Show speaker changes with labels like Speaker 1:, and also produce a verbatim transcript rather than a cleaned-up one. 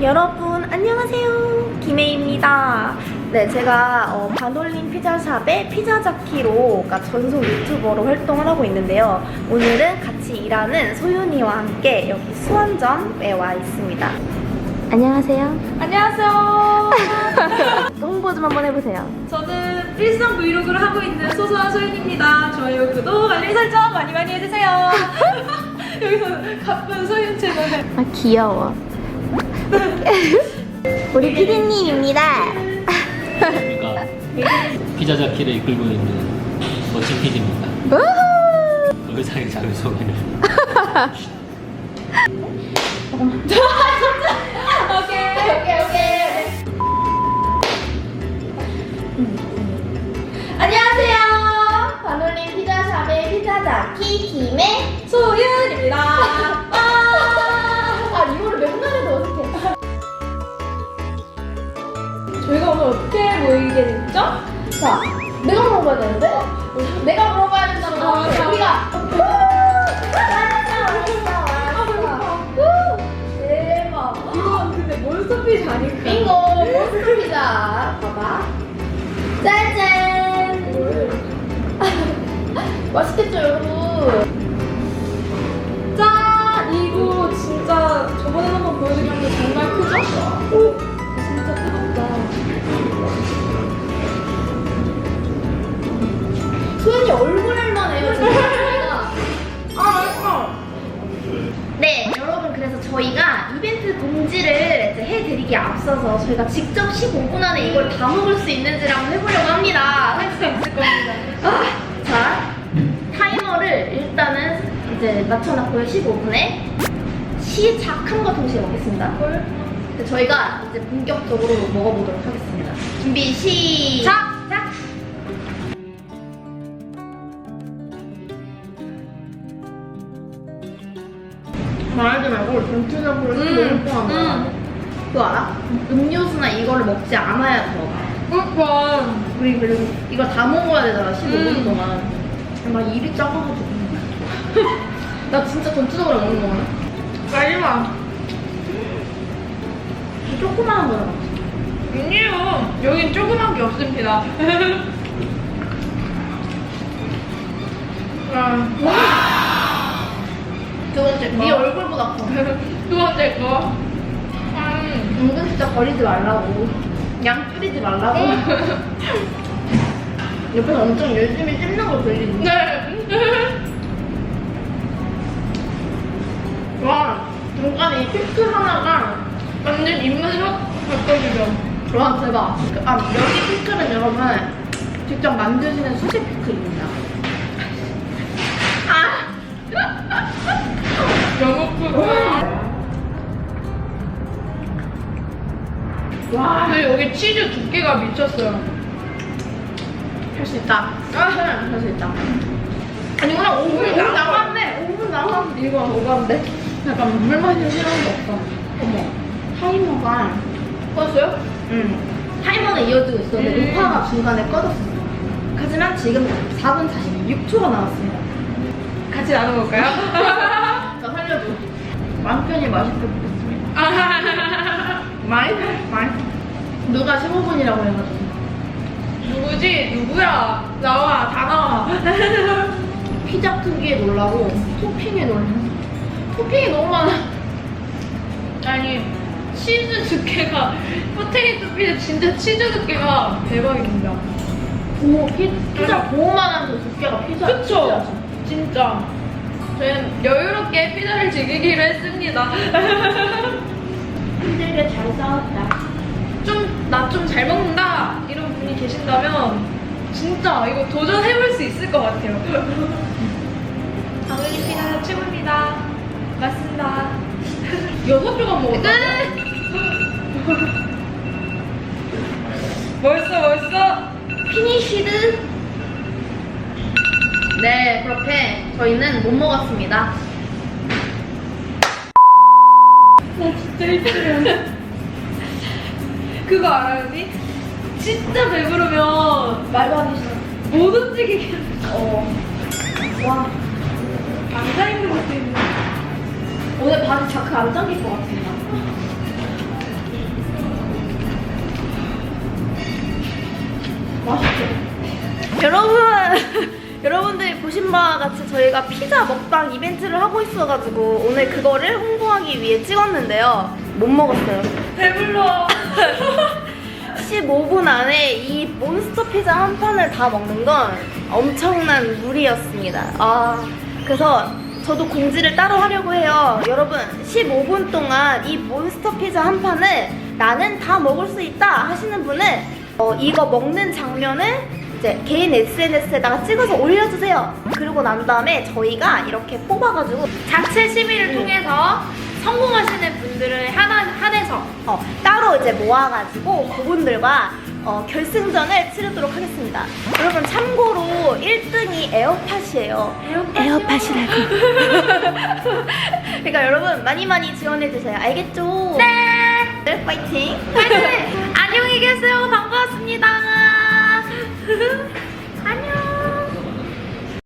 Speaker 1: 여러분 안녕하세요, 김혜입니다. 네, 제가 어, 반올림 피자샵의 피자자키로 그러니까 전속 유튜버로 활동을 하고 있는데요. 오늘은 같이 일하는 소윤이와 함께 여기 수원점에 와 있습니다. 안녕하세요.
Speaker 2: 안녕하세요.
Speaker 1: 홍보 좀 한번 해보세요.
Speaker 2: 저는 일상 브이로그를 하고 있는 소소한 소윤입니다. 좋아요, 구독, 알림 설정 많이 많이 해주세요. 여기서 가쁜 소윤 채널.
Speaker 1: 아 귀여워. 우리 피디님입니다.
Speaker 3: 우리가 피자자키를 이끌고 있는 멋진 피디입니다. 의상의 자기 소개를.
Speaker 2: 오케이, 오케이, 오케이.
Speaker 1: 안녕하세요. 반올림 피자샵의 피자자키 김혜
Speaker 2: 소윤입니다.
Speaker 1: 아 이거를 맨날 해도 어색해.
Speaker 2: 저희가 오늘 어떻게 모이게 됐죠?
Speaker 1: 자, 내가 물어봐야 되는데? 내가 물어봐야 된다고.
Speaker 2: 아, 맞아.
Speaker 1: 우리가. 대박.
Speaker 2: 이건 근데 몬스터피쉬 아닐까?
Speaker 1: 빙고, 몬스터 피자. 봐봐. 짜잔. 맛있겠죠, 여러분?
Speaker 2: 짠! 이거 진짜 저번에 한번 보여드렸는데 정말 크죠? 오! 진짜 뜨겁다.
Speaker 1: 소연이 얼굴만 해요, 지금.
Speaker 2: 아, 맛있어!
Speaker 1: 네, 여러분, 그래서 저희가 이벤트 공지를 이제 해드리기에 앞서서 저희가 직접 십오 분 안에 이걸 다 먹을 수 있는지를 한번 해보려고 합니다.
Speaker 2: 할 수 있을 겁니다.
Speaker 1: 아, 자, 타이머를 일단은 이제 맞춰놨고요. 십오 분에 시작함과 동시에 먹겠습니다. 근데 저희가 이제 본격적으로 먹어보도록 하겠습니다. 준비 시작! 작! 말하지 말고 전체적으로 십오 분 동안 먹어야 돼. 그거 알아? 음료수나 이거를 먹지 않아야 더.
Speaker 2: 그러니까.
Speaker 1: 우리 그리고 이거 다 먹어야 되잖아, 십오 분
Speaker 2: 음.
Speaker 1: 동안. 막 입이 작아가지고. 나 진짜 전체적으로 먹는 거야.
Speaker 2: 마지막.
Speaker 1: 이 조그마한 거야.
Speaker 2: 아니에요. 여긴 조그만 게 없습니다. 와.
Speaker 1: 두 번째, 네
Speaker 2: 뭐?
Speaker 1: 얼굴보다 커.
Speaker 2: 두 번째 거. 음.
Speaker 1: 은근 진짜 버리지 말라고. 양 줄이지 말라고. 옆에서 엄청 열심히 씹는 거 들리는데.
Speaker 2: 네.
Speaker 1: 와, 중간에 이 피클 하나가
Speaker 2: 완전 입맛이 확 바꿔주죠.
Speaker 1: 와, 대박. 아, 여기 피클은 여러분 직접 만드시는 수제 피클입니다. 아!
Speaker 2: 영업부가.
Speaker 1: 와,
Speaker 2: 근데 여기 치즈 두께가 미쳤어요.
Speaker 1: 할 수 있다. 할 수 있다. 아니, 그냥 오 분 남았네. 오 분 남았는데 이거 오가는데? 약간 물 마시는 시간도 없어. 어머, 타이머가
Speaker 2: 껐어요?
Speaker 1: 응. 타이머는 이어지고 있었는데
Speaker 2: 음.
Speaker 1: 녹화가 중간에 꺼졌어. 하지만 지금 사 분 사십육 초가 남았습니다.
Speaker 2: 같이 나눠볼까요?
Speaker 1: 나 살려줘. 마음 편히 맛있게 먹겠습니다. 많이? 많이? 누가 십오 분이라고 해가지고.
Speaker 2: 누구지? 누구야? 나와, 다 나와.
Speaker 1: 피자 크기에 놀라고 토핑에 놀라. 토핑이 너무 많아.
Speaker 2: 아니, 치즈 두께가, 포테이토 피자 진짜 치즈 두께가 대박입니다.
Speaker 1: 고, 피, 피자 고만한 그 두께가 피자.
Speaker 2: 그쵸?
Speaker 1: 피자지.
Speaker 2: 진짜. 저희는 여유롭게 피자를 즐기기로 했습니다.
Speaker 1: 힘들게 잘 싸웠다.
Speaker 2: 좀, 나 좀 잘 먹는다. 이런 분이 계신다면, 진짜 이거 도전해볼 수 있을 것 같아요. 당연히 피자 최고입니다. 맞습니다. 여섯 조각 먹었다. 벌써, 벌써.
Speaker 1: 피니쉬드. 네, 그렇게 저희는 못 먹었습니다.
Speaker 2: 나 진짜 힘들어. 그거 알아요, 언니? 진짜 배부르면
Speaker 1: 말도 안 되시네.
Speaker 2: 못 움직이겠어.
Speaker 1: 어. 와,
Speaker 2: 앉아있는 것도 있네.
Speaker 1: 오늘 바지 자크 안 잠길 것 같습니다.
Speaker 2: 맛있죠?
Speaker 1: 여러분, 여러분들이 보신 바와 같이 저희가 피자 먹방 이벤트를 하고 있어가지고 오늘 그거를 홍보하기 위해 찍었는데요. 못 먹었어요.
Speaker 2: 배불러.
Speaker 1: 십오 분 안에 이 몬스터 피자 한 판을 다 먹는 건 엄청난 무리였습니다. 아, 그래서 저도 공지를 따로 하려고 해요. 여러분, 십오 분 동안 이 몬스터 피자 한 판을 나는 다 먹을 수 있다 하시는 분은 어, 이거 먹는 장면을 이제 개인 에스엔에스에다가 찍어서 올려주세요. 그리고 난 다음에 저희가 이렇게 뽑아가지고
Speaker 2: 자체 심의를 통해서 성공하시는 분들을 하나 한해서
Speaker 1: 어, 따로 이제 모아가지고 그분들과 어, 결승전을 치르도록 하겠습니다. 여러분 참고로 일 등이 에어팟이에요. 에어팟이라고. 그러니까 여러분 많이 많이 지원해주세요. 알겠죠? 네. 파이팅.
Speaker 2: 파이팅!